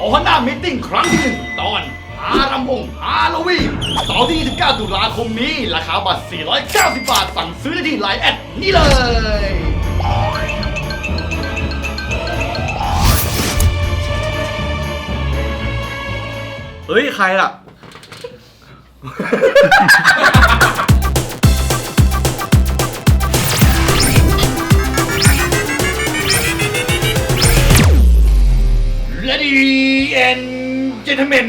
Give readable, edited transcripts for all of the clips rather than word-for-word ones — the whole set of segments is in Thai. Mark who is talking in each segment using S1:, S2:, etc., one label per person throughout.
S1: ฮอนด้ามิทติ้งครั้งที่ 1 ตอนหารำวงฮาโลวีนเสาร์ที่29 ตุลาคมนี้ราคาบัตร 490 บาท สั่งซื้อได้ที่ไลน์แอดนี่เลย
S2: เฮ้ย ใครล่ะ
S1: Ladies and gentlemen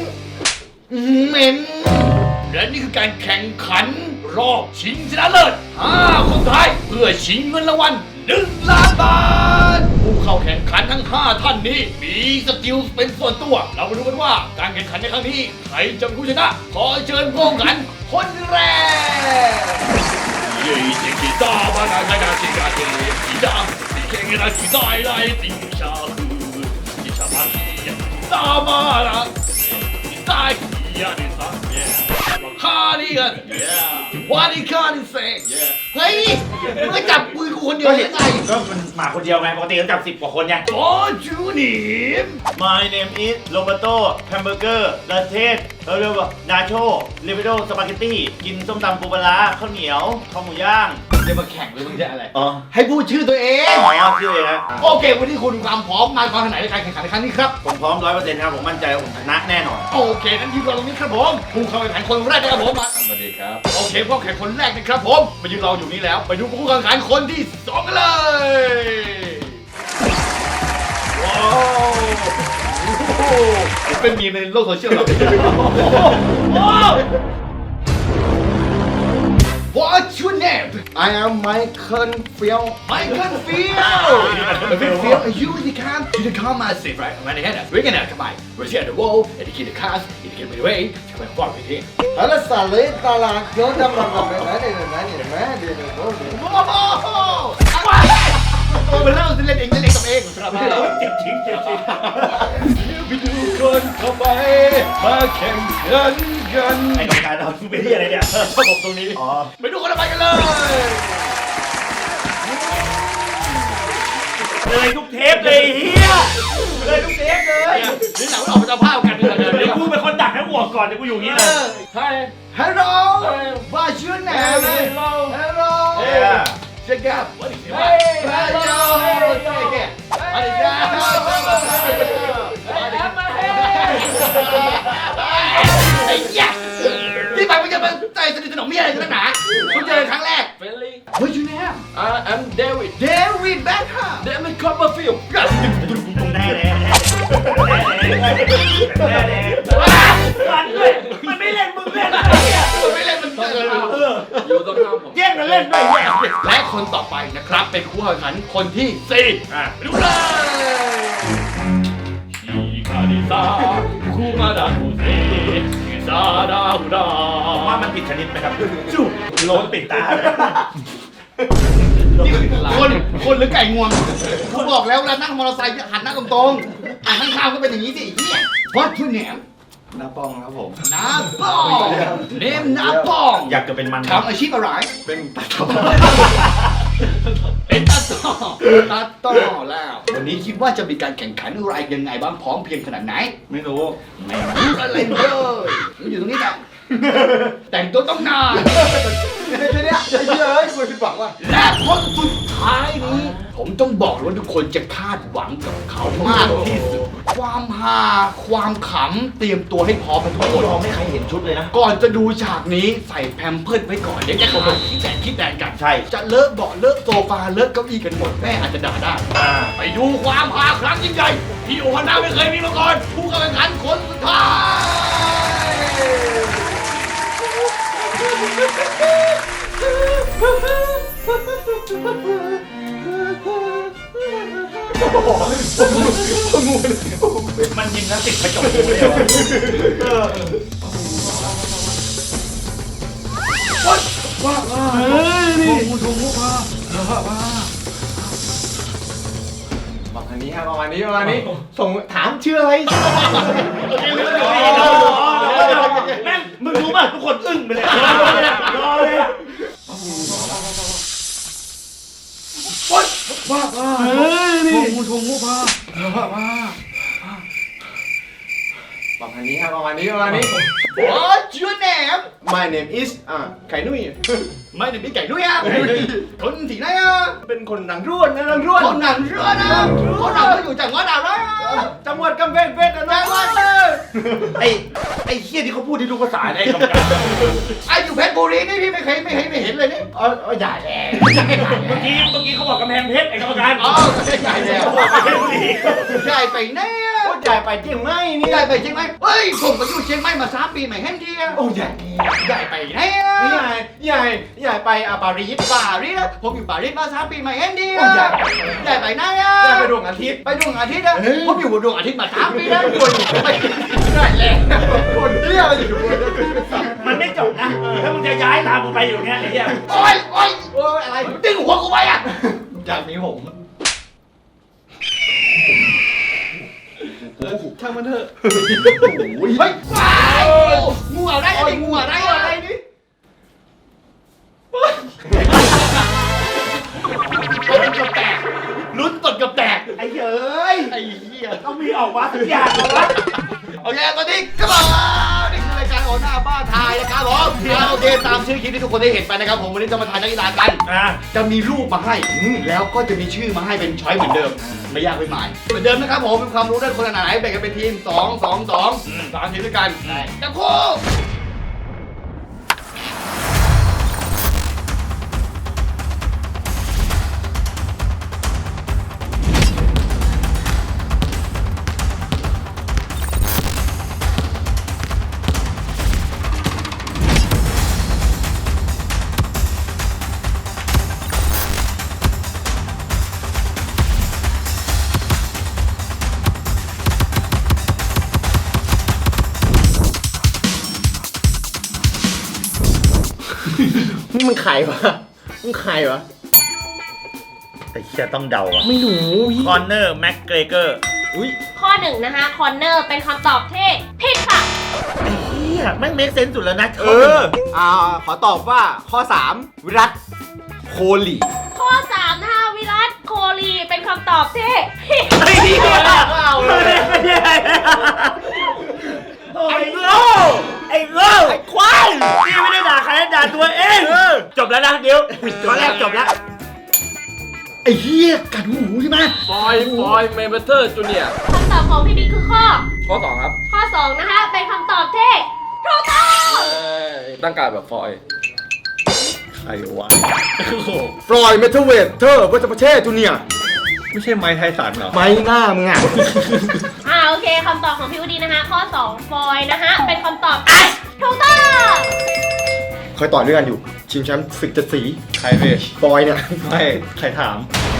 S1: และนี่คือการแข่งขันรอบชิงชนะเลิศ5 คนท้ายเพื่อชิงเงินรางวัล1 ล้านบาทผู้เข้าแข่งขันทั้ง 5 ท่านนี้มีสกิลเป็นส่วนตัว เรามาดูกันว่าการแข่งขันในครั้งนี้ใครจะเป็นผู้ชนะ ขอเชิญผู้แข่งขันคนแรกเย้เจ๊กีตาร์มานานาชิกาเจกีตาร์ที่แข่งกันที่ได้ไล่ติงชาคือชาบันตามาละตายยาดิสันคาดิกันวาดิคาดิเซ่เฮ้ยมึงก็จับปืนกูคนเดียวยังไง
S3: ก็มันมาคนเดียวไงปกติเขาจับ10 กว่าคนไง
S1: ขอจูนิม
S3: My name is Roberto Hamburger ประเทศเรียกว่านาโชเรเบโดสปาเกตตี้กินส้มตำปูปลาร้าข้าวเหนียวข้าวหมูย่าง
S1: จะมาแข่งหรือมึงจะอะไร
S3: อ๋อ
S1: ให้พูดชื่อตัวเอง
S3: ชื่อเองฮะ
S1: โอเค วันนี้คุณมีความพร้อมมาก่อนขนาดในการแข่งขันในครั้งนี้ครับ
S3: ผมพร้อม 100% ครับผมมั่นใจว่าผมชนะแน่นอน
S1: โอเคนั้นยืนรอตรงนี้ครับผมผู้เข้าแข่งขันคนแรกนะครับผมมา
S2: สวัสดีครับ
S1: โอเคผู้แข่งคนแรกนะครับผมมายืนรออยู่นี่แล้วไปดูผู้แข่งขันคนที่2กันเลยว้าวโอ้โหเป็นมีมในโลกโซเชียลเหรอ What's your name?
S2: I am Michael Field
S1: Michael Field. Field, you the car massive, right? When they had that, we're gonna come by. We're here at the wall, educate the cars, educate the way. Come and walk with him.
S2: แล้วสาลีตลาดเยอะจังเลยนะเดี๋ยว
S1: โอ้โหมันเล่าเล่นเองกับเองครับ
S3: เจ็บจริง
S1: ไปดูคนเข้าไปมาแข่งขันกัน
S3: ไอ้กรรมการเราเป็นที่อะไรเนี่ยชอบผมตรงนี้อ๋อ
S1: ไปดูคนเข้าไปกันเลย
S3: เลยทุกเทปเลยเฮียเลยทุกเทปเลย
S1: นี่หนังมันออกมาจะภาพกันเลย
S3: เดี๋ยวกูเป็นคนดักทั้งหัวก่อนเดี๋ยวกูอยู่อย่างนี้เลย
S1: Hello What's your name Hello Check out What is it Hello Check it What is that ไอ้ยักษ์ที่ไปมันจะมาใจสนิทสนมมีอะไรกันนักหนาคุณเจอครั้งแรก What's your name
S4: I'm David.
S1: David Beckham
S4: David Copperfield.
S3: แน่เลยมันด้วยมันไม่เล่นมึงเล่นอะไรเนี่ย
S1: ไม่เล่นมันเจอ
S4: อยู่ตรงข้ามผม
S3: แย่งกันเล่นด้วยเนี่ย
S1: และคนต่อไปนะครับเป็นผู้แข่งขันคนที่4ไปดูเลยฮิคาริซาคุมาดาคุเซฮิซาดาฮูดา
S3: ว่ามันผิดชนิดไหมครับจู่โล้นปิดตาเลย
S1: คนหรือไก่งวงเขาบอกแล้วเวลานั่งมอเตอร์ไซค์หันหน้าตรงๆหันข้างๆก็เป็นอย่างนี้สิเฮียวัดทุนแหนม
S2: น้าป้องครับผม
S1: น้าป้องเนมน้าป้อง
S3: อยากจะเป็นมัน
S1: ทำอาชีพอะไร
S2: เป็นตาต่อ
S1: เป็นตาต่อแล้ว วันนี้คิดว่าจะมีการแข่งขันอะไรยังไงบ้างพร้อมเพรียงขนาดไหน
S2: ไม่รู้
S1: ไม่รู้อะไรเลยอยู่ตรงนี้จ้ะแต่งตัวต้องนาน
S2: เนี่ยเฮ้ยคุณผิดหวังว่ะ
S1: และคนสุดท้ายนี้ ผมต้องบอกเลยว่าทุกคนจะคาดหวังกับเขามากที่สุด ความฮาความขำเตรียมตัวให้พร้อมกันทุกคน
S3: เราไม่เคยเห็นชุดเลยนะ
S1: ก่อนจะดูฉากนี้ใส่แพมเพิร์สไว้ก่อนเดี๋ยวจะเข้ามาคิดแดงกัน
S3: ใช่
S1: จะเลอะเบาะเลอะโซฟาเลอะเก้าอี้กันหมดแม่อาจจะด่าได้ ไปดูความฮาครั้งยิ่งใหญ่ที่โอฮาน่าไม่เคยมีมาก่อนผู้เข้าแข่งขันคนสุดท้าย
S3: มันยิมนาสติกกระจกเลย
S2: ประมาณนี้ส่งถามชื่ออะไร
S3: แม่งมึงรู้ป่ะทุกคนอึ้งไปเลยรอเลย
S2: ว่านี่ทงพาประมาณนี้ประมาณนี้
S1: What's your name
S2: My name is ไข่นุ่ย
S1: ไม่ได้มีไก่ด้วยอ่ะคนที่ไหนอ่ะ
S2: เป็นคนหนังร่วนนะหนังร่วน
S1: คนหนังเรือนะคนหนังก็อยู่จังหวัดอะไรอ่ะ
S2: จังหวัดกำแพงเพชรนะ
S1: จังหวัดเลย
S3: ไอ้เฮียที่เขาพูดที่ทุกภาษาได้กำกับ
S1: ไอ้อยู่เพชรบุรีนี่พี่ไม่เห็นเลยนี่
S2: ใหญ่แล้ว
S3: เมื่อกี้เขาบอกกำแพงเพชรไอ้กรรมการ
S1: อ๋อใหญ่แล้วใหญ่ไปแน่
S2: โอ้ใหญ่ไปเจียงไม่นี่
S1: ใหญ่ไปเชียงใหม่เฮ้ยผมไปอยู่เชียงใหม่มา3 ปีไม่เห็นทีอ่ะ
S2: โอ้ใหญ่
S1: ใหญ่ไปแน่
S2: ใหญ่ไปปารีส
S1: ปารีสผมอยู่ปารีสมา3 ปีไม่เห็นที
S2: โอ้
S1: อ่ะ
S2: ใหญ่
S1: ใหญ่ไปไหนอ่ะ
S2: ใหญ่ไปดวงอาทิตย์
S1: ไปดวงอาทิตย์อะผมอยู่บนดวงอาทิตย์มา3 ปีแล้วคนไปได้แล้ว
S2: คนเที่ยวอยู่
S3: มันไม่จบนะ ถ้ามึงจะย้ายตามกูไปอยู่เนี้ยไอ้เหี้ย
S1: โอ้ย
S2: โอ้ยอะไร
S1: ดึงหัวกูไปอ่ะ
S2: จากนี้ผมช่างมันเถอะ
S1: เฮ้ยว้ายงูอะไรอันนี้งูอะไรอะไรนี่ตดกับแตกลุ้นตดกับแตก
S3: ไอ้เฮ้ย
S1: ไอ้เหี้ย
S3: ต้องมีออกมาสักอย่างเหรอวะ
S1: โอเคตอนนี้ก็บอกนี่คือรายการโอหน้าบ้านทายนะครับผมโอเคตามชื่อคลิปที่ทุกคนได้เห็นไปนะครับผมวันนี้จะมาทายนักกีฬากัน จะมีรูปมาให้ แล้วก็จะมีชื่อมาให้เป็นช้อยเหมือนเดิม ไม่ยากไม่หมายเหมือนเดิมนะครับผมเป็นความรู้ด้านคนละไหนแบ่งกันเป็นทีม2 2 2 3 ทีมด้วยกันจับคู่
S2: นี่มันไข่วะมันไข่วะ
S3: ไอ้เหี้ยต้องเดาอ่ะ
S2: ไม่รู้
S3: คอนเนอร์แม็กเกรเกอร์
S2: อุ้ย
S5: ข้อหนึ่งนะคะคอนเนอร์เป็นคำตอบที่ผิดค่ะ
S3: เหี้ยแม่งเมคเซนส์สุดแล้วนะ
S2: ขอตอบว่าข้อ 3 วิรัตโคลี
S5: ข้อ 3 นะคะวิรัตโคลีเป็นคำตอบที่ผิด
S3: ไอ้เหี้ยไอ้โง่ไอ้โง่ไอ้ควายนี่ไม่ได้ด่าใครด่าตัวเองจบแล้วนะเดี๋ยวข้อแรกจบแล้ว
S1: ไอ้เหี้ยกัดหูใช่ไหม
S4: ฟอยเมเบเตอร์จูเนีย
S5: คำตอบของพี่บิ๊กคือข้อ
S4: ข้อ 2 ครับ
S5: ข้อ 2 นะคะเป็นคำตอบที่ถูกต้อง
S4: ตั้งการแบบฟอย
S3: ใครวะ
S2: ฟลอยด์เมทัลเวทเธอวัชประเทศจูเนียร์
S3: ไม่ใช่ไม้ไทสันเหรอ
S2: ไม้หน้ามึงอ่ะ
S5: โอเคคำตอบของพี่วดีนะคะ ข้อ 2 ฟอยนะคะเป็นคำตอบที่ถูกต้อง
S2: เคยต่อด้วยกันอยู่ ชิงแชมป์ศึก7 สี
S3: ใครเว้ย
S2: ฟอยเนี่ย
S3: ไม่ใครถาม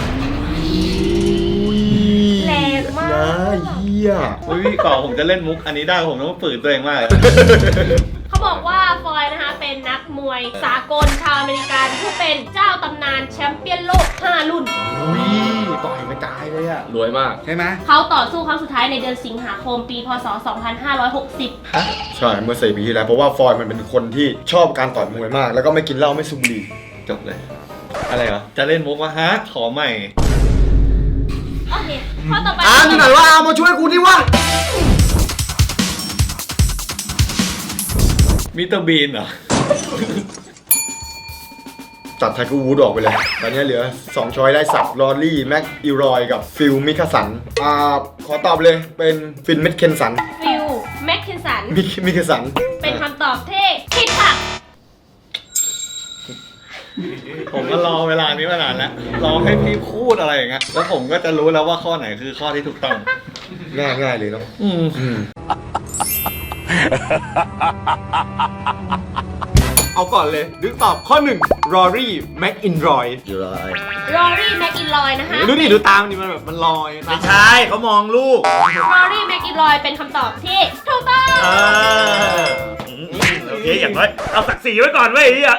S5: แรงมาก
S2: นะเหี้ย
S3: อุ้ยก่อนผมจะเล่นมุกอันนี้ได้ผมต้องฝืนตัวเองมากเลย
S5: เขาบอกว่าฟอยนะคะเป็นนักมวยสากลชาวอเมริกันผู้เป็นเจ้าตำนานแชมเปี้ยนโลก 5 รุ่น
S2: อุ้ยต่อยไม่ตายเลยอ่ะ
S4: รวยมาก
S2: ใช่ไหม
S5: เขาต่อสู้ครั้งสุดท้ายในเดือนสิงหาคมปีพศ 2560
S2: ใช่เมื่อ4 ปีที่แล้ว เพราะว่าฟอยมันเป็นคนที่ชอบการต่อยมวยมาก แล้วก็ไม่กินเหล้าไม่สูบบุหรี่
S3: จบเลย อะไรเหรอ จะเล่นมุกวะฮะ ขอใหม่
S5: โอเคข้อต่อไป
S2: ที่ไหนว่าเอามาช่วยกูนี่วะ
S3: มิสเตอร์บีนเหรอ
S2: ตัดไทเกอร์วูดออกไปเลย ตอนนี้เหลือ 2 ช้อยได้สับลอรี่ แม็กอิรอยกับฟิลมิคาสัน ขอตอบเลยเป็นฟินเมดเคนสัน
S5: ฟิลแมคเคนสัน
S2: มิคาสัน
S5: เป็นคำตอบที่ผิดค่ะ
S3: ผมก็รอเวลานี้มานานแล้ว รอให้พี่พูดอะไรอย่างเงี้ย แล้วผมก็จะรู้แล้วว่าข้อไหนคือข้อที่ถูกต้อง
S2: ง่ายเลยเนาะ เอาก่อนเลยดึกตอบข้อ 1 รอรี่ แม็กอินรอย
S5: รอรี่แมคอินลอยนะคะ
S2: ดูดิดูตามดิมันแบบมันลอย
S3: ไม่ใช่เขามองลูก
S5: รอรี่แมคอินลอยเป็นคำตอบที่ถูกต้อง
S3: โอเคอย่างน้อยเอาศักดิ์ศรีไว้ก่อนเว้ยไอ้เหี้ย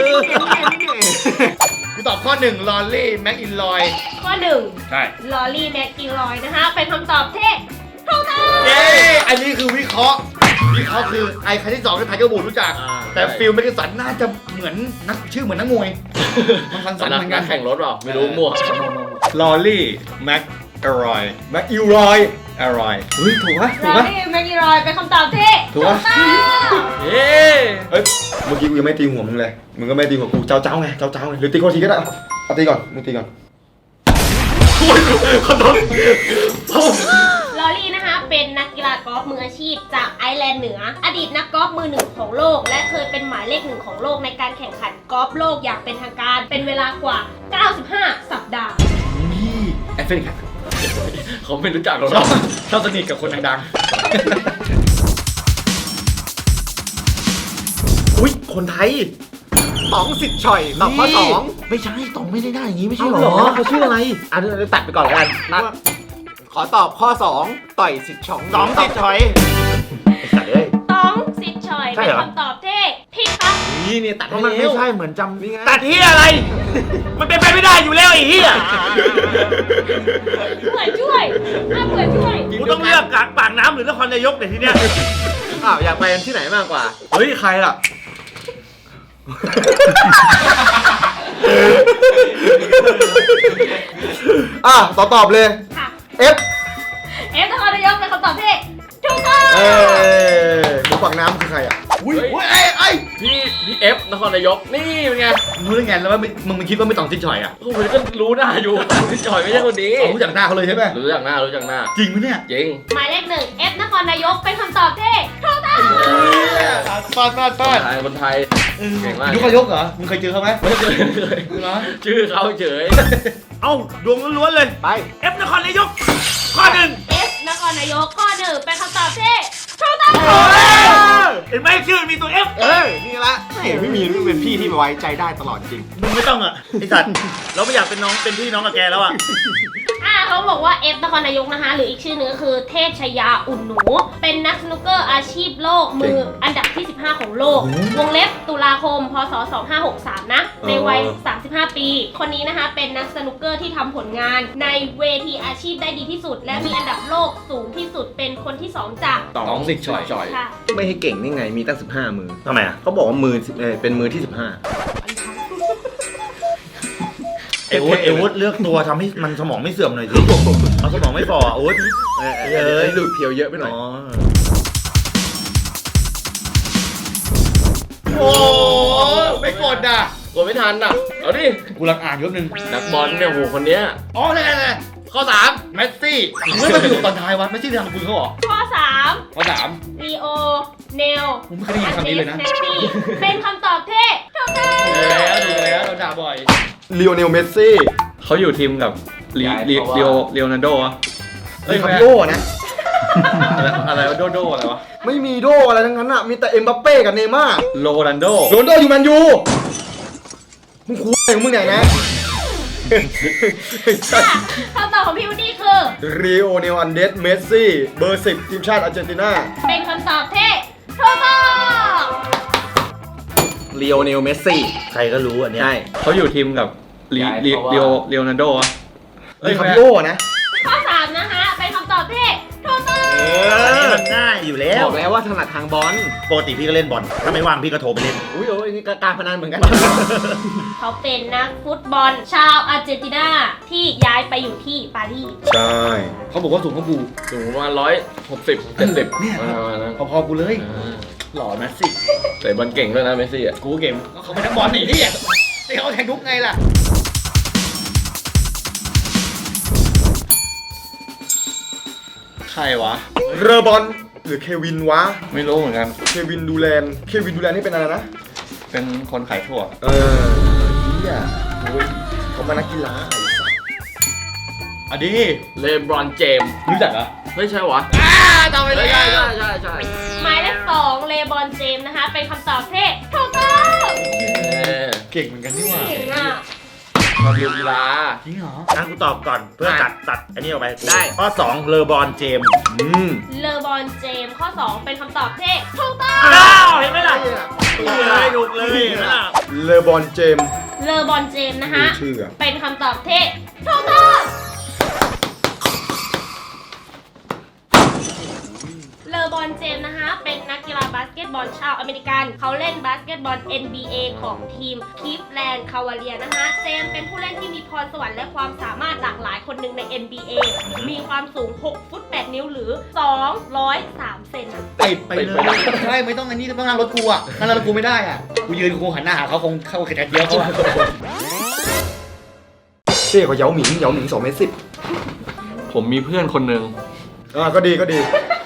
S1: กูตอบข้อ 1 ลอรี่ แม็กอินลอย
S5: ข้อ
S1: ใช่
S5: 1ลอรี่แมคอินลอยนะคะ เป็นคำตอบที่ถูกต้อง
S1: เย้อันนี้คือวิเคราะห์คือไอ้คันที่2คือไทเกอร์บูดรู้จัก แต่ฟิลแมกกินสันน่าจะเหมือนนักชื่อเหมือนนักมวยมันคันสันเหมือนกัน
S4: แข่งรถเปล่าไม่รู้มั่ว
S3: ลอรี่ แม็ก
S2: อร่อยแม็กอิลรอยอร่อยเฮ้ยถูกปะถูก
S5: ลอ
S2: ปะ
S5: รี่แมกนีรอยเป็นคำตอบที่
S2: ถูกปะ
S5: ต้อง
S4: เย้
S2: เฮ้ยเมื่อกี้กูยังไม่ตีหัวมึงเลยมึงก็ไม่ตีหัวกูเจ้าไงเจ้าไงหรือตีคนทีก็ได้เอาตีก่อนมึงตีก่อน
S5: ลอรี่นะคะเป็นนักกีฬากอล์ฟมืออาชีพจากไอร์แลนด์เหนือ อดีตนักกอล์ฟมือหนึ่งของโลก และเคยเป็นหมายเลขหนึ่งของโลกในการแข่งขันกอล์ฟโลกอย่างเป็นทางการ เป็นเวลากว่า 95 สัปดาห์
S2: นี่แอฟริกา
S4: เขาไม่รู้จักเรา
S2: ชอบสนิทกับคนดังๆอุ้ยคนไทย
S6: ต๋องสิทธิ์ฉ่อยตอบข้อ 2ไม่ใช่ต๋องไม่ได้หน้าอย่างนี้ไม่ใช่หรอเขาชื่ออะไรอ่ะเดี๋ยวตัดไปก่อนแล้วกันขอตอบข้อ 2 ต่อยสิทธิ์ฉ่อง
S3: สองติดถอย
S6: ตัดเลย
S5: ต้องสิทธิ์ชอย
S6: ใช่
S5: เป็
S6: เหร
S5: น
S6: อ
S5: คำตอบที่ผิดครับ
S6: นี่เนี่ยตัดให้มันไม่ใช่เหมือนจำนี่ไง
S3: ตัดที่อะไร มันเป็นไปไม่ได้อยู่แล้วไอ้เหี้ย
S5: เผื่อช่วยเผื่อช่วย
S3: กูต้องเลือกกลางปากน้ำหรือนครนายกเนี่ยทีเนี้ย
S6: อ้าวอยากไปที่ไหนมากกว่า
S2: เฮ้ยใครล่ะตอบเลย
S5: ค่ะ
S2: F
S5: เอฟนครนายกเป็นคำตอบที่ถูกต้อง
S2: หมูฝักน้ำคือใครอ่ะอุ้ยไอ้
S4: พี่เอฟนครนายกนี่เป็นไง
S2: รู้ได้ไงแล้วว่ามึงคิดว่าไม่ต้องซิดฉอยอ่ะ
S4: โอ้โหก็รู้หน้าอยู่พี่จอยไม่ใช่คนนี้
S2: รู้จักหน้าเขาเลยใช่ไหม
S4: รู้จักหน้า
S2: จริงไหมเนี่ย
S4: จริง
S5: หมายเลข 1 F นครนายกเป็นคำตอบที่ถูกต้อง
S2: ป้า
S4: คนไทยเก่งมาก
S2: ยุคยกเหรอมึงเคยเจอเขาไหม
S4: ไม่เคยชื่อเขาเฉย
S3: เอ้าดวงล้วนๆเลย
S6: ไป
S3: เอฟนครนายก ข้อหนึ่ง
S5: F นครนายกข้อ 1 เป็นคำตอบที่ถูกต้อง
S3: เห็นไหมชื่อมีตัวเอฟ
S6: นี่ละไม่มีนี่เป็นพี่ที่ไว้ใจได้ตลอดจริง
S3: มึงไม่ต้องอ่ะไอสัตว์เราไม่อยากเป็นน้องเป็นพี่น้องกับแกแล้วอ่ะ
S5: เขาบอกว่า F นครนายกนะคะ หรืออีกชื่อนึงก็คือเทพชยาอุ่นหนู เป็นนักสนุกเกอร์อาชีพโลกมืออันดับที่ 15 ของโลก วงเล็บตุลาคม พศ 2563 นะ ในวัย 35 ปี คนนี้นะคะเป็นนักสนุกเกอร์ที่ทำผลงานในเวทีอาชีพได้ดีที่สุด และมีอันดับโลกสูงที่สุดเป็นคนที่ 2 จาก
S4: ๆต้องสิทธิ์จ่อย
S5: ค่ะ
S6: ไม่ให้เก่งนี่ไงมีตั้ง 15 มือ
S3: ทำไมอ่ะ
S6: เขาบอกว่ามือเป็นมือที่ 15
S3: ไอวุฒเลือกตัวทำให้มันสมองไม่เสื่อมหน่อยสิเอาสมองไม่ฝ่อโอ๊ต
S6: ดูดเพียวเยอะไปหน่อย
S3: อ๋อ
S2: โอ้ไม่กดอ่ะ
S4: กดไม่ทันอ่ะ เอาดิ
S2: กูรังอ่านยกหนึ่ง
S4: นักบอลเนี่ยโหคนเนี้ย
S2: อ๋อนี่ข้อ3เมสซี่มึงไม่มาอยู่ตอนท้ายวะเมสซี่ทำคุณเขาเหรอ
S5: ข้อ
S2: ข้อ
S5: 3 ลีโอ เนล
S2: ผมไม่เคยได้ยินคำนี้เลยนะ
S5: เมสซี่เป็นคำตอบที่ถูกต้อง
S2: 3แล้วเราด่าบ่อยลีโอเนลเมสซี่
S7: เขาอยู่ทีมกับลีโอนาร์โดวะ
S2: เฮ้ยคาริโอนะ
S7: อะไรวะโดอะไรวะ
S2: ไม่มีโดอะไรทั้งนั้นอ่ะมีแต่เอ็มบัปเป้กับเนย์ม่าร์
S7: โรนัลโด
S2: โรนลโดอยู่แมนยูมึงคุยของมึงไหนนะ
S5: ค่ะคำตอบของพี่วูดดี้คือ
S2: ลีโอเนลอันเดสเมสซี่เบอร์ 10 ทีมชาติอาร์เจนตินา
S5: เป็นคำตอบที่ถูกต้อง
S6: ลีโอเนลเมสซี่
S3: ใครก็รู้อันเนี้ย
S6: ใช่
S7: เขาอยู่ทีมกับลีโอนาร์โดวะ
S2: เฮ้ยคาริโอนะ
S5: ข้อ 3 นะคะ เป็นคำตอบที่ถูกต้อง
S3: อันนี้มันง่ายอยู่แล้ว
S6: บอกแล้วว่าถนัดทางบอล
S3: ปกติพี่ก็เล่นบอล ถ้าไม่ว่างพี่ก็โทรไปเล่น
S6: อุ้ยโอ้ยนี่ก็การพนันเหมือนกัน
S5: เขาเป็นนักฟุตบอล ชาวอาร์เจนตินาที่ย้ายไปอยู่ที่ปารีส
S2: ใช่เขาบอกว่าสูงกว่ากู
S4: สูงประมาณ160 70
S2: เนี่ย
S4: ประมาณนั้น
S2: พอๆกูเลย หล่อเมสซี่
S4: แต่บอลเก่งด้วยนะเมสซี่อ่ะ
S2: กูเกมเขาเป็นนักบอลหนีที่ที่เขาแทงทุกไงล่ะใครวะเรอบอลหรือเควินวะ
S7: ไม่รู้เหมือนกัน
S2: เควินดูแลนนี่เป็นอะไรนะ
S7: เป็นคนขายถั่ว
S2: เฮียโอ้ยเขามานักกีฬาไอ้สัส
S7: อ่ะดิ
S4: เลบรอนเจมส์
S7: รู้จักเหรอ
S4: ไม่ใช่วะ
S2: จำไปเลย
S4: ใช่
S5: หมายเลข 2 เลบอนเจมส์นะคะ เป็นคำตอบที่ถูกต้อง
S2: เก่งเหมือนกันนี่หว่า
S5: เก่งอ่ะ
S4: มาดูกีฬา
S2: จริงเหรอ
S3: งั้นกูตอบก่อนเพื่อตัดอันนี้ออกไป
S6: ได้
S3: ข้อ 2 เลอบอลเจมส์
S5: เลบอนเจมส์ข้อ 2 เป็นคำตอบที่ถูกต้อง
S3: อ้าวเห็นไหมล่ะถูกเลยถูกเลยเห็นไหมล่ะ
S2: เลบอนเจมส์
S5: เลบอนเจมส์นะคะ
S2: ชื่ออะ
S5: เป็นคำตอบที่ถูกต้องเลบรอนเจมส์นะคะ เป็นนักกีฬาบาสเกตบอลชาวอเมริกัน เขาเล่นบาสเกตบอล NBA ของทีมคลิฟแลนด์คาวาเลียนะคะ เจมส์เป็นผู้เล่นที่มีพรสวรรค์และความสามารถหลากหลายคนหนึ่งใน NBA มีความสูง 6 ฟุต 8 นิ้วหรือ 203 เซน
S1: ติดไปเลยใช่ไม่ต้องอันนี้ต้องนั่งรถกูอ่ะนั่งรถกูไม่ได้อ่ะกูยืนกูหันหน้าหาเขาคงเข้าแขกเดียวเขาอะ
S2: เต้เขาเหยาหมิง2 เมตร
S7: ผมมีเพื่อนคนหนึ่ง
S2: ก็ดีก็ดี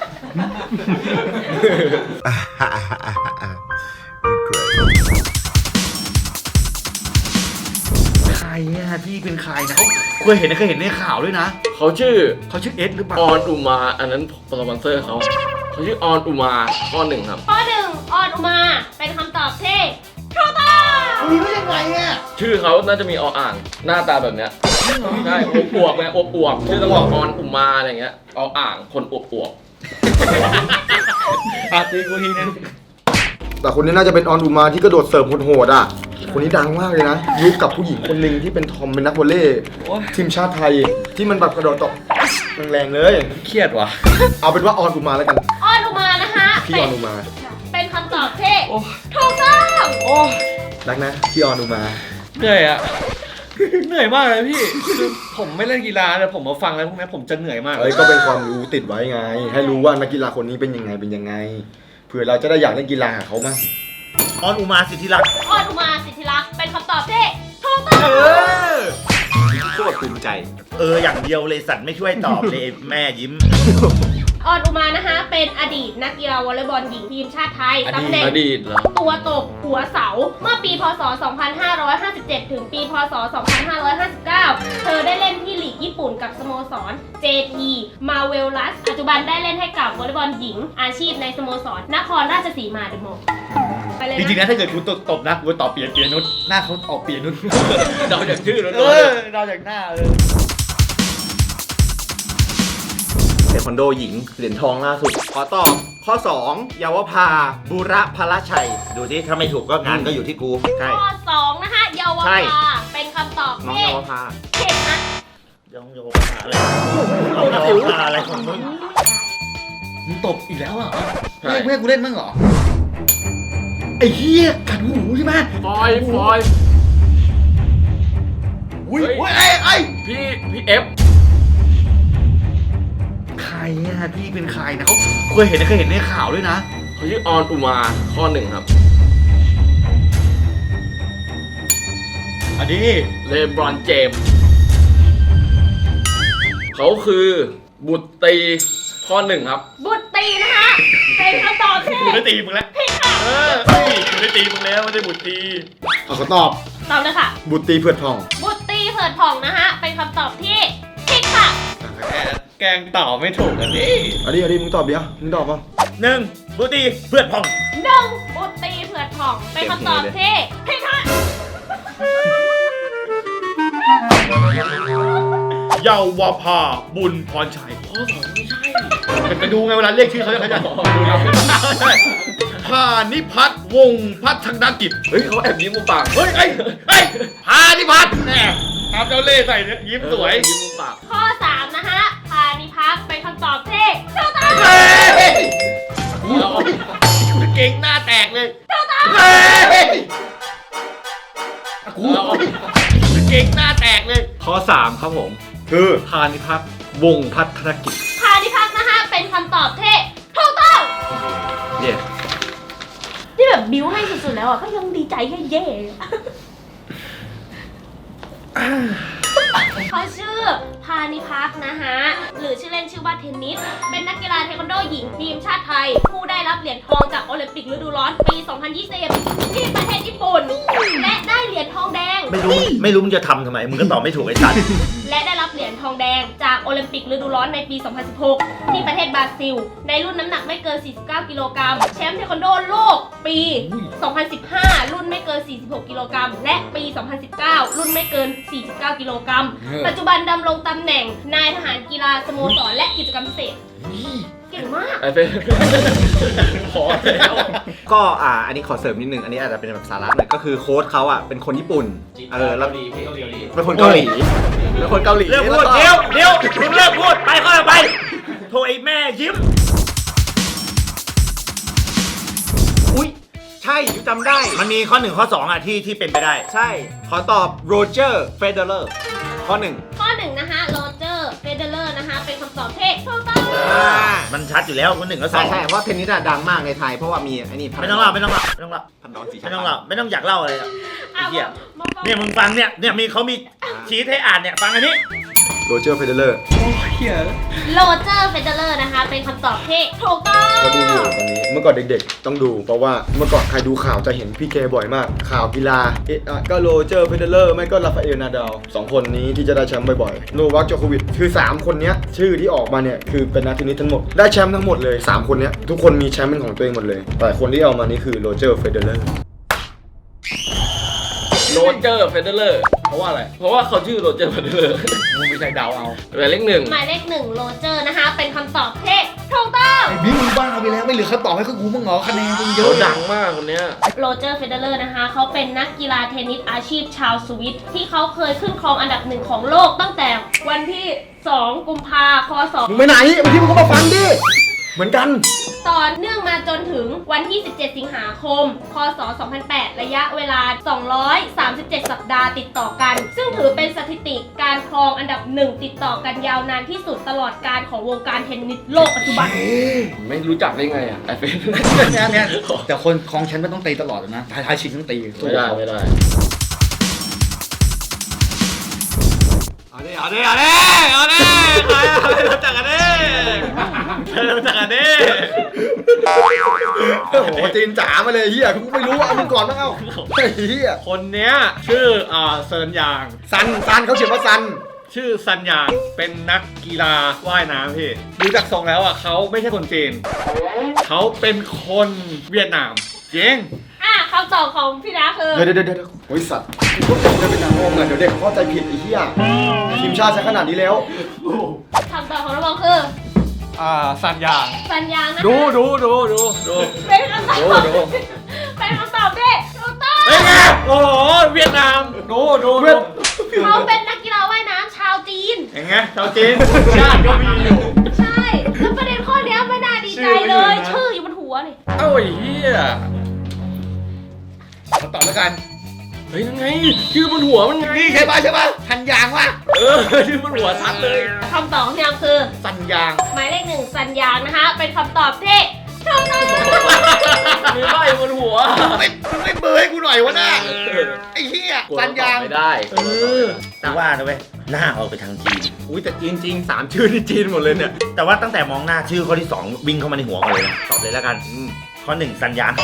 S1: ใครอ่ะพี่เป็นใครนะเขาเคยเห็นในข่าวด้วยนะ
S4: เขาชื่อ
S1: เขาชื่อเอสหรือเปล่า
S4: ออนอุมา อันนั้นสปอนเซอร์เขาชื่อออนอุมาข้อหนึ่งครับ
S5: ข้อ 1 ออนอุมา เป็นคำตอบที่ถูกต้อง
S1: มีได้ยังไงอ่ะ
S4: ชื่อเขาน่าจะมีออ่างหน้าตาแบบเนี้ยใช่อวบๆไงอวบๆชื่อต้องบอกออนอุมาอะไรเงี้ยออ่างคนอวบ
S1: อ่ะตีกูทีนึง
S2: แต่คนนี้น่าจะเป็นออนอุมาที่กระโดดเสิร์ฟโหดๆอ่ะ คนนี้ดังมากเลยนะ ยุคกับผู้หญิงคนหนึ่งที่เป็นทอมเป็นนักวอลเลย์ทีมชาติไทยที่มันแบบกระโดดตบแรงๆเลย
S1: เครียดว่ะ
S2: เอาเป็นว่าออนอุมาแล้วกัน
S5: ออนอุมานะคะ
S2: พี่ออนอุมา
S5: เป็นคำตอบที่ถูกต้อง
S2: รักนะพี่ออนอุมา
S7: เหนื่อยอะ เหนื่อยมากเลยพี่คือผมไม่เล่นกีฬาแต่ผมมาฟังแล้วพวกนี้ผมจะเหนื่อยมาก
S2: เอ้ยก็เป็นความรู้ติดไว้ไง ให้รู้ว่านักกีฬาคนนี้เป็นยังไงเผื่อเราจะได้อยากเล่นกีฬากับเขาบ้าง
S3: ออนอุมาสิทธิรักษ์
S5: ออนอุมาสิทธิรักษ์เป็นคำตอบที่ถูกต้อง
S6: โคตรภูมิใจ
S3: อย่างเดียวเลยสัตว์ไม่ช่วยตอบเลย แม่ยิ้ม
S5: ออนอุมานะคะ เป็นอดีตนักกีฬาวอลเลย์บอลหญิงทีมชาติไทยตำแหน่ง
S4: ๆอดีตเหรอ
S5: ตัวตกหัวเสา เมื่อปีพศ 2557 ถึงปีพศ 2559 เธอได้เล่นที่ลีกญี่ปุ่นกับสโมสร JT Marvelous ปัจจุบันได้เล่นให้กับวอลเลย์บอลหญิงอาชีพในสโมสรนครราชสีมาเดอะโมไปเลย
S1: จริงๆ
S5: นะ
S1: นะถ้าเกิดคุณตบนะกูตอบเปียนุชหน้าเขาออกเปียนุช
S4: เดาจากชื่อแล้ว
S1: เราจากหน้า
S6: เทควันโดหญิงเหรียญทองล่าสุด ขอตอบข้อ 2 เยาวภาบุระพลชัย
S3: ดูที่ถ้าไม่ถูกก็งานก็อยู่ที่กู
S6: ใช่
S5: ข้อ 2 นะคะ เยาว
S6: ใช่
S5: ภาเป็นคำตอบ
S6: น้อง
S5: ที่
S6: เยาวภา
S5: ผิดนะ
S3: ยังโยกอะไรเอาโยกอะไรของมึง
S1: มึงตบอีกแล้วเหรอไม่ให้กูเล่นบ้างเหรอ ไอ้เหี้ยกัดหูใช่ไหม
S4: ฟอย
S1: อุ้ย
S4: เฮ้ย
S1: โอ้ยไอ้
S4: พี่เอฟ
S1: ใครอ่ะพี่เป็นใครนะเขาเคยเห็นในข่าวด้วยนะ
S4: เขาชื่อออนอุมาข้อหนึ่งครับ
S1: อันนี้
S4: เลบรอนเจมส์เขาคือบุตรีข้อหนึ่งครับ
S5: บุตรีนะคะ เป็นคำตอบที่
S1: กูได้ตีมึงแล้ว
S5: ผิดค่ะ
S1: กูได้ตีมึงแล้วไม่ได้บุตรี
S2: เอาเขาตอบ
S5: ตอบเลยค่ะ
S2: บุตรีเผือดทอง
S5: บุตรีเผิดผ่องนะคะ เป็นคำตอบที่ผิดค่ะ
S7: แกงตอบไม่ถูกอันนี้
S2: อันนี้มึงตอบดิมึงตอบป่ะ
S3: 1. บุตรีเพื่อนพอง
S5: หนึ่งบุตรีเผิดผ่อง เป็นคำตอบที่ผิดค่ะ
S1: เยาวภาบุญพรชัยข้อสองไม่ใช่ไปดูไงเวลาเรียกชื่อเขาจะขยันพานิพัฒน์วงศ์พัฒนกิจ
S4: เฮ้ยเขาแอบยิ้มมุมปาก
S1: เฮ้ยพานิพัฒน์แน่ทำเจ้าเล่ห์ใส่เนี่ยยิ้มสวย
S4: ยิ้มมุมปาก
S5: ข้อ 3 นะคะ พานิพักษ์เป็นคำตอบที่ถูกต้อง
S1: เก่งหน้าแตกเลยกูเก่งหน้าแตกเลย
S7: ข้อ 3 ครับผม
S2: คือ
S7: พานิพักษ์วงศ์พัฒนกิจ
S5: พานิพักษ์นะคะ เป็นคำตอบที่ถูกต้อง
S7: เย้
S5: ที่แบบบิ้วให้สุดๆแล้วอ่ะก็ยังดีใจแค่เย่เขาชื่อพานิพักษ์นะคะหรือชื่อเล่นชื่อว่าเทนนิส เป็นนักกีฬาเทควันโดหญิงทีมชาติไทย ผู้ได้รับเหรียญทองจากโอลิมปิกฤดูร้อนปี 2020 ที่ประเทศญี่ปุ่น และได้เหรียญทองแดง
S3: ไม่รู้มึงจะทำทำไม มึงก็ตอบไม่ถูกไอ้สัตว์
S5: และได้รับเหรียญทองแดงจากโอลิมปิกฤดูร้อนในปี 2016 ที่ประเทศบราซิล ในรุ่นน้ำหนักไม่เกิน 49 กิโลกรัม แชมป์เทควันโดโลกปี 2015 รุ่นไม่เกิน 46 กิโลกรัม และปี 2019 รุ่นไม่เกิน 49 กิโลกรัม ปัจจุบันดำรงตำแหน่งนายทหารกีฬาสโมสรและกิจกรรมพิเศษ เก่งมาก
S4: ไอ้เฟ้ขอแล้ว
S6: ก็อันนี้ขอเสริมนิดนึง อันนี้อาจจะเป็นแบบสาระหน่อย ก็คือโค้ชเขาเป็นคนญี่ปุ่น แล้วเป็นคนเกาหลี เป็นคนเกาหลี
S3: เลิกพูด
S6: แล้วก็
S3: เดี๋ยวมึงเลิกพูด ไปข้อต่อไป โทรไอ้แม่ยิ้ม
S6: ยูจำได้
S3: มันมีข้อ 1 ข้อ 2 อ่ะที่เป็นไปได้
S6: ใช่ ขอตอบโรเจอร์เฟเดอร์ข้อ 1
S5: ข้อ 1 นะคะโรเจอร์เฟเดเลอร์นะคะ เป็นคำตอบที่ถูกต้อง
S3: มันชัดอยู่แล้วข้อ 1 ข้อ
S6: ใช่
S3: 2
S6: ใช่เพราะเทนนิสอะดังมากในไทยเพราะว่ามีไอ้นี่
S3: ไม่ต้องเล่าไม่ต้องเล่าไม่ต้องเล่า
S6: พันดอนสี
S3: ไม่ต้องเล่าไม่ต้องอยากเล่าอะไรอะไอ้
S5: อ่ะ
S3: เหี้ย
S5: มาฟัง
S3: เนี่ยมึงฟังเนี่ยมีเขามีชี้ให้อ่านเนี่ยฟังอันนี้
S2: โรเจอร์เฟเดเลอร์
S5: โรเจอร์เฟเดเลอร์นะคะ เป็นคำตอบที่ถูกต้อง
S2: ก็ดูอยู่ตอนนี้เมื่อก่อนเด็กๆ ต้องดูเพราะว่าเมื่อก่อนใครดูข่าวจะเห็นพี่แกบ่อยมาก ข่าวกีฬาก็โรเจอร์เฟเดเลอร์ไม่ก็ราฟาเอลนาดาล2คนนี้ที่จะได้แชมป์บ่อยๆโนวัคโจโควิชคือ3คนเนี้ยชื่อที่ออกมาเนี่ยคือเป็นนักเทนนิสทั้งหมดได้แชมป์ทั้งหมดเลย3คนเนี้ยทุกคนมีแชมป์เป็นของตัวเองหมดเลยแต่คนที่เอามานี่คือโรเจอร์เฟเดเลอร์
S4: โรเจอร์เฟเดเลอร์เพราะว่าอะไร เพราะว่าเขาชื่อโรเจอร์เฟเดเลอร์
S7: มึงไม่ใช่เดาเอา
S4: หมายเลขหนึ่ง
S5: หมายเลข 1โรเจอร์นะคะ เป็นคำตอบที่ถูกต้อง
S1: ไอ้บิ๊กมึงบ้าไปแล้วไม่เหลือคำตอบให้กูมึงเหรอคะแนนมึงเย
S4: เขา
S1: อะ
S4: ดังมากคนเนี้ย
S5: โรเจอร์เฟเดเลอร์นะคะ เขาเป็นนักกีฬาเทนนิสอาชีพชาวสวิตที่เขาเคยขึ้นครองอันดับ 1 ของโลกตั้งแต่วันที่ 2 กุมภาคศ
S2: มึงไปไหนบางทีมึงก็มาฟังดิเหมือนกัน
S5: ต่อเนื่องมาจนถึงวันที่ 17 สิงหาคม คศ 2008 ระยะเวลา 237 สัปดาห์ติดต่อกัน ซึ่งถือเป็นสถิติการครองอันดับ 1 ติดต่อกันยาวนานที่สุดตลอดการของวงการเทนนิสโลกปัจจุบัน
S4: ไม่รู้จักได้ไงอ่ะไอเฟน
S1: เนี่ยแต่คนคลองแชมป์มันต้องตีตลอดเลยนะท้ายชิงต้องตี
S4: ไม่ได้ไม่ได้
S3: เอาดิรู้จักกันดิรู้จักกันดิ
S2: โอ้โหจีนจ๋ามาเลยเฮียกูไม่รู้เอามึงก่อนมั้งเอ้าเฮีย
S7: คนเนี้ยชื่อเซินยาง
S2: ซันเขาเขียนว่าซัน
S7: ชื่อซันยางเป็นนักกีฬาว่ายน้ำพี่ดูจากทรงแล้วอ่ะเขาไม่ใช่คนจีนเขาเป็นคนเวียดนามจริง
S5: คำตอบของพี่ดาคือ
S2: เดี๋ยวโอ้ยสัตว์กูจะเป็นนางโอมเลยเดี๋ยวเด็กเข้าใจผิดไอ้เหี้ยทีมชาติใช้ขนาดนี้แล้ว
S5: คำตอบของน้องบอลคือ
S7: ซันยาง
S5: สัญญาณนะคะ
S7: ดู
S5: เป็นคำตอบ
S7: ดู
S5: เป็นคำตอบที่ถูกต้อง
S7: เป็นไงโอ้โหเวียดนามดู
S5: เขาเป็นนักกีฬาว่ายน้ำชาวจีน
S7: เห็นไงชาวจีนชาติก็มีอยู่
S5: ใช่ แล้วประเด็นข้อเนี้ยไม่น่าดีใจเลย ชื่ออยู่บนหัวนี่
S7: เอ้าไอ้เหี้ย
S1: คำตอบแล้วกัน
S7: เฮ้ยยังไงชื่อบนหัวมันไง
S1: นี่ใช่ปะทันยางวะ
S7: ชื่อบนหัวชัดเลย
S5: คำตอบของพี่ดาคือ
S1: สัญญาง
S5: หมายเลข 1 สัญญาณนะคะ เป็นคำตอบที่ถูกต้อง
S7: มีใบบนหัว
S1: ไม่เบอร์ให้กูหน่อยวะน่ะไอ้เหี้ยสัญญาง
S4: ไม่ได้
S3: แต่ว่านะเว้ยหน้าออกไปทางจีน
S6: อุ้ยแต่จีนจริง3ชื่อนี่จีนหมดเลยเนี่ย
S3: แต่ว่าตั้งแต่มองหน้าชื่อข้อที่ 2 วิ่งเข้ามาในหัวก่อนเลยนะตอบเลยแล้วกันข้อ 1 สัญญาณ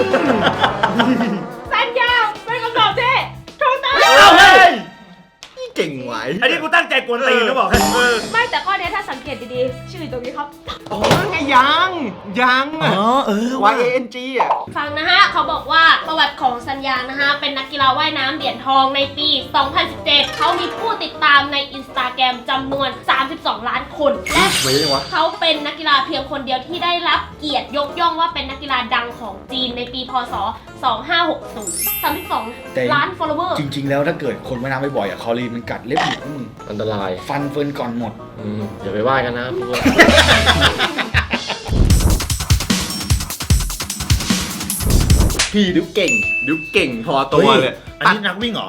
S5: สัญญาณเป็นคำตอบที่ถูกต้อง
S2: เก่งไหว
S3: อันนี้กูตั้งใจกวนตีนนะบอกให้
S5: ไม่แต่ข้อเนี้ยถ้าสังเกตดีๆ ชื่ออยู่ตรงนี้ครับ
S6: อ๋อไงยังอะ YANG อ่ะ
S5: ฟังนะฮะ เขาบอกว่าประวัติของสัญญาณนะฮะ เป็นนักกีฬาว่ายน้ำเหรียญทองในปี 2017 เขามีผู้ติดตามในอินสตาแกรมจำนวน 32 ล้านคน และ
S2: ไม่ยังวะ
S5: เขาเป็นนักกีฬาเพียงคนเดียวที่ได้รับเกียรติยกย่องว่าเป็นนักกีฬาดังของจีนในปีพศ 2560 32 ล้าน follower
S1: จริง ๆ แล้วถ้าเกิดคนว่ายน้ำบ่อยๆอ่ะคอรีนมันกัดเล็บหยิกพวกมึง
S4: อันตราย
S1: ฟันเฟิร์นก่อนหมด
S4: อย่าไปว่ากันนะพวก
S6: พี่ดูเก่งพอตัวเลย
S3: อันนี้นักวิ่งเหรอ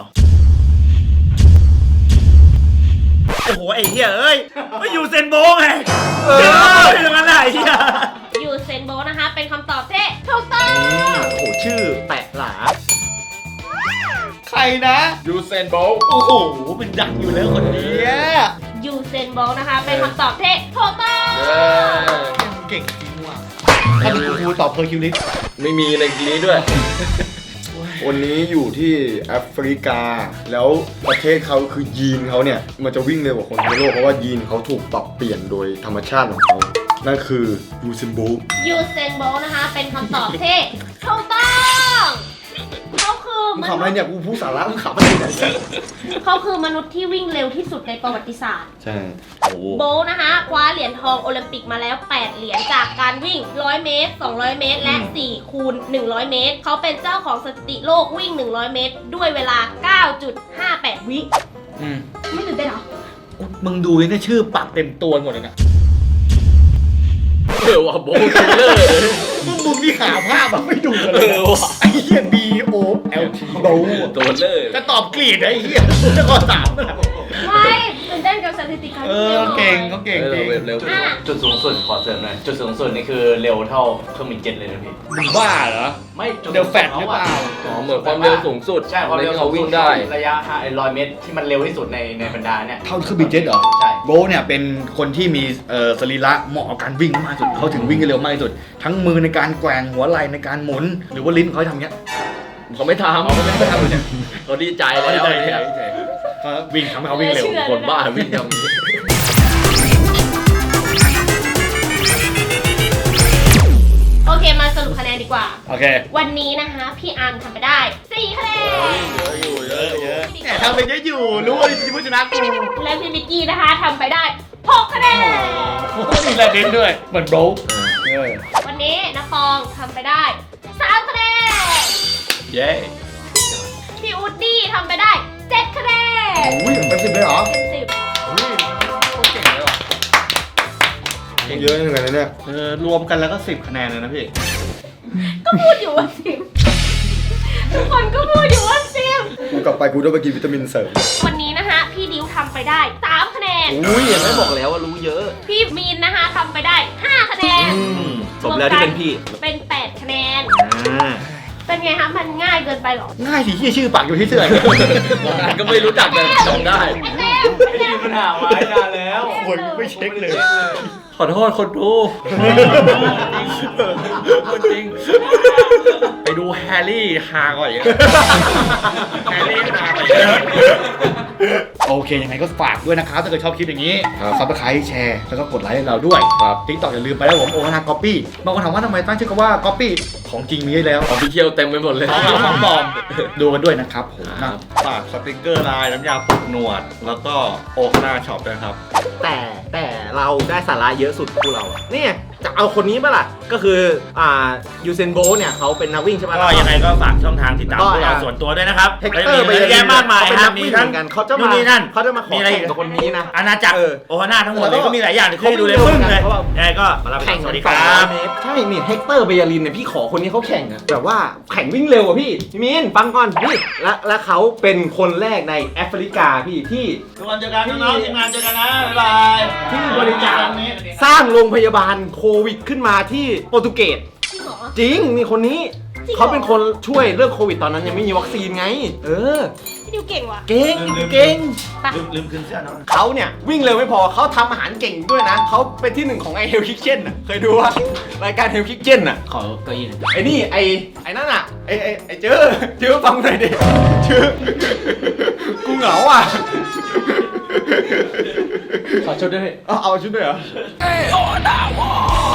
S3: โอ้โห ไอ้เหี้ยเอ้ยไม่อยู่เซนโบไงไม่ตรงนั้นไหนเหี้ย
S5: ยูเซนโบลต์นะคะ เป็นคำตอบที่ถูกต้อง
S6: โอ้โหชื่อแปะหลา
S1: ใครนะ
S4: ยูเซนโบล
S1: โอ้โหเป็นดังอยู่แล้วคนนี้
S5: ยูเซนโบลต์นะคะ เป็นคำตอบที่ถูกต้อง
S1: เก่งจริงว่ะถ้าดูกูตอบเพอร์คิวลิส
S4: ไม่มีในนี้ด้วย
S2: วันนี้อยู่ที่แอฟริกา แล้วประเทศเขาคือยีนเขาเนี่ยมันจะวิ่งเร็วกว่าคนทั่วโลกเพราะว่ายีนเขาถูกปรับเปลี่ยนโดยธรรมชาติของเขานั่นคือยูซินโบลต์
S5: ยูเซนโบลต์นะคะ เป็นคำตอบที่ถูกต้องเขาคือ
S2: มึง
S5: ม
S2: ขำอะไร
S5: นุษย์
S2: เนี่ยกูพูดสาระมึงขำอะไรเนี่ย
S5: เขาคือมนุษย์ที่วิ่งเร็วที่สุดในประวัติศาสตร์
S2: ใช่
S5: โบลต์นะคะคว้าเหรียญทองโอลิมปิกมาแล้ว 8 เหรียญจากการวิ่ง 100 เมตร 200 เมตร และ 4 คูณ 100 เมตร เขาเป็นเจ้าของสถิติโลกวิ่ง 100 เมตร ด้วยเวลา 9.58 วิ ไม่ตื่นเต้นเหรอ
S1: มึงดูนี่ชื่อปากเต็มตัวหมดเลยนะ
S4: ว่ะโบว์คิลเลอร์
S1: มึงนี่หาภาพแบบไม่ดูกันเลย
S4: ว่ะ
S1: ไอ้เหี้ย B O L T โบ
S4: ตัวเลอร์
S1: จะตอบกรีดไอ้เหี้ยจะขอถามนะ
S5: ไม่ตื่นเต้นกับสถิติการ
S1: เก่งเขาเก่งจริง
S4: เร็ว
S5: อ่ะ
S3: จุดสูงสุดขอเสริมหน่อยจุดสูงสุดนี่คือเร็วเท่าเครื่องบินเจ็ตเลยนะพี่
S1: มึงบ้าเหรอ
S3: ไม่จุ
S1: เร็วแฟดหรือเปล่า
S4: อ๋อเหมือนความเร็วสูงสุด
S3: ใช่ความเร็ว
S4: ที่เขาวิ่งได้
S3: ระยะ100 เมตรที่มันเร็วที่สุดในบรรดาเนี่ย
S1: เท่าเครื่องบินเจ็ตเหรอ
S3: ใช่
S1: โบทเนี่ยเป็นคนที่มีสรีระเหมาะกับการวิ่งมากที่สุดเขาถึงวิ่งได้เร็วมากที่สุด ทั้งมือในการแกว่งหัวไหล่ในการหมุน หรือว่าลิ้นเขาทำเงี้ย
S4: เขาไม่ทำ
S1: เขาไม่ได้ทำเลยเนี่ย
S4: เขาดีใจ
S1: เขา
S4: แล้ว
S1: ใจ
S4: เนี่ย
S1: เขาวิ่งทำให้เขาวิ่งเร็ว
S4: คนบ้าวิ่งทำนี้
S5: โอเคมาสรุปคะแนนดีกว่า
S1: โอเค
S5: วันนี้นะคะพี่อาร์มทำไปได้ 4 คะแนน
S1: เยอะแต่ทำไปเยอะอยู่รู้ว่าผู้ชนะกู
S5: และพี่มิกกี้นะคะทำไปได้ 6 คะแนน
S1: มีแรงเด่นด้วยเหมือนโบท
S5: วันนี้นะปองทำไปได้ 3 คะแนน
S1: เย้
S5: พี่อูดดี้ทำไปได้ 7 คะแนน
S1: อุ้ยเป็น10เลยเหรอ
S5: เป็น
S2: เยอะเหมือนกันนะเนี่ย
S7: รวมกันแล้วก็10 คะแนนเลยนะพี่
S5: 10ก็พูดอยู่ว่า 10ทุกคนก็พูดอยู่ว่า
S2: กูกลับไปกูต้องไปกินวิตามินเสริม
S5: 10วันนี้นะคะพี่ดิวทำไปได้ 3 คะแนน
S6: อุ้ยยังไม่บอกแล้วว่ารู้เยอะ
S5: พี่มีนนะคะทำไปได้ 5 คะแนน
S6: สมแล้วที่เป็นพี่
S5: เป็น 8 คะแนน
S6: อ่า
S5: เป็นไงคะมันง่ายเกินไปเหรอ
S1: ง่ายสิที่ชื่อปากอยู่ที่เสื้อ
S4: วันนั้นก็ไม่รู้จักแต่จำได้
S5: ไอ้เต้ม
S3: ปัญหาไว้นานแล้ว
S1: คนไม่เช็คเลย
S7: ขอโทษคนดู
S1: จริง ไปดูแฮร์รี่ฮาก่อนอย่างแฮร์รี่ฮาก่อนโอเค ยังไงก็ฝากด้วยนะครับ ถ้าเกิดชอบคลิปอย่างนี้ซับสไครต์แชร์ แล้วก็กดไลค์ให้เราด้วย
S4: ครับ
S1: ติ๊กต็อกอย่าลืมไปแล้วผมโอนาก๊อปปี้บางคนถามว่าทำไมตั้งชื่อกันว่าก๊อปปี้ของจริงมีให้แล้ว
S4: ของพี่เคียวเต็มไปหมดเลย
S1: ของปลอมดูกันด้วยนะครับผมนะ
S7: ฝากสติกเกอร์ลายน้ำยาปลุกหนวด แล้วก็โอคาน่าช็อปด้วยครับ
S6: แต่เราได้สาระเยอะสุดคู่เราอะเนี่ยจะเอาคนนี้ปะล่ะ ก็คือยูเซนโบเนี่ยเขาเป็นนักวิ่งใช่ไหม
S3: ก็ยังไงก็ฝากช่องทางติดตามพวกเราส่วนตัวด้วยนะครับ
S6: เฮกเตอร์ไป
S3: เยอะแยะมากมาย
S6: เป็น
S3: ค
S6: นั
S3: รับ
S6: ก
S3: มี
S6: วิ่งเห
S3: ทั้ง
S6: มือนกันเขาจะ
S3: นู่
S6: มาน
S3: นี่นั่น
S6: เขาจะมาขอ
S3: มีอะไร
S6: แข่งกับคนนี้นะ
S3: อาณาจักร
S6: เออ
S3: โอฮาน่าทั้งหมดเลย
S6: แล้วก็
S3: ก็มีหลายอย่างที่ให้ดูเลย
S6: เขา
S3: ปึ้งเลย
S6: เขาแบบ
S3: ยังไงก็มาลาไปก่
S6: แข่
S3: อน
S6: ง
S3: สวัสดีค
S6: 200
S3: รับ
S6: เมตรใช่นี่เฮกเตอร์เบยาลินเนี่ยพี่ขอคนนี้เขาแข่งอะแบบว่าแข่งวิ่งเร็วอะพี่มินฟังก่อนนี่และเขาเป็นคนแรกในแอฟริกาพี่ที่
S3: ทุกคนเจอกันน้องๆทีมงานเจอกันนะบ๊ายบาย
S6: ที่บริจาคสร้างโรงพยาบาลโควิดขึ้นมาที่โปรตุเกส
S5: จริงเหรอ
S6: จริงมีคนนี้
S5: จริงเหรอ
S6: เขาเป็นคนช่วยเรื่องโควิดตอนนั้นยังไม่มีวัคซีนไง เออ
S5: พี่ดิวเก่งว่ะ
S6: เก่งเก่ง
S5: ไป
S3: ลืมคืนเสื้อน้อง
S6: เขาเนี่ยวิ่งเร็วไม่พอเขาทำอาหารเก่งด้วยนะเขาเป็นที่หนึ่งของไอเฮลคิกเช่นอ่ะเคยดูว่ารายการเฮลคิกเช่นอ่ะ
S3: ขอเก้าอี้หน่อย
S6: ไอ้นี่ไอ้นั่นอ่ะไอ้เจอฟังหน่อยดิเจอกูเหงาอ่ะ
S4: ขอชุดด้วย
S6: เอาชุดด้วยเหรอ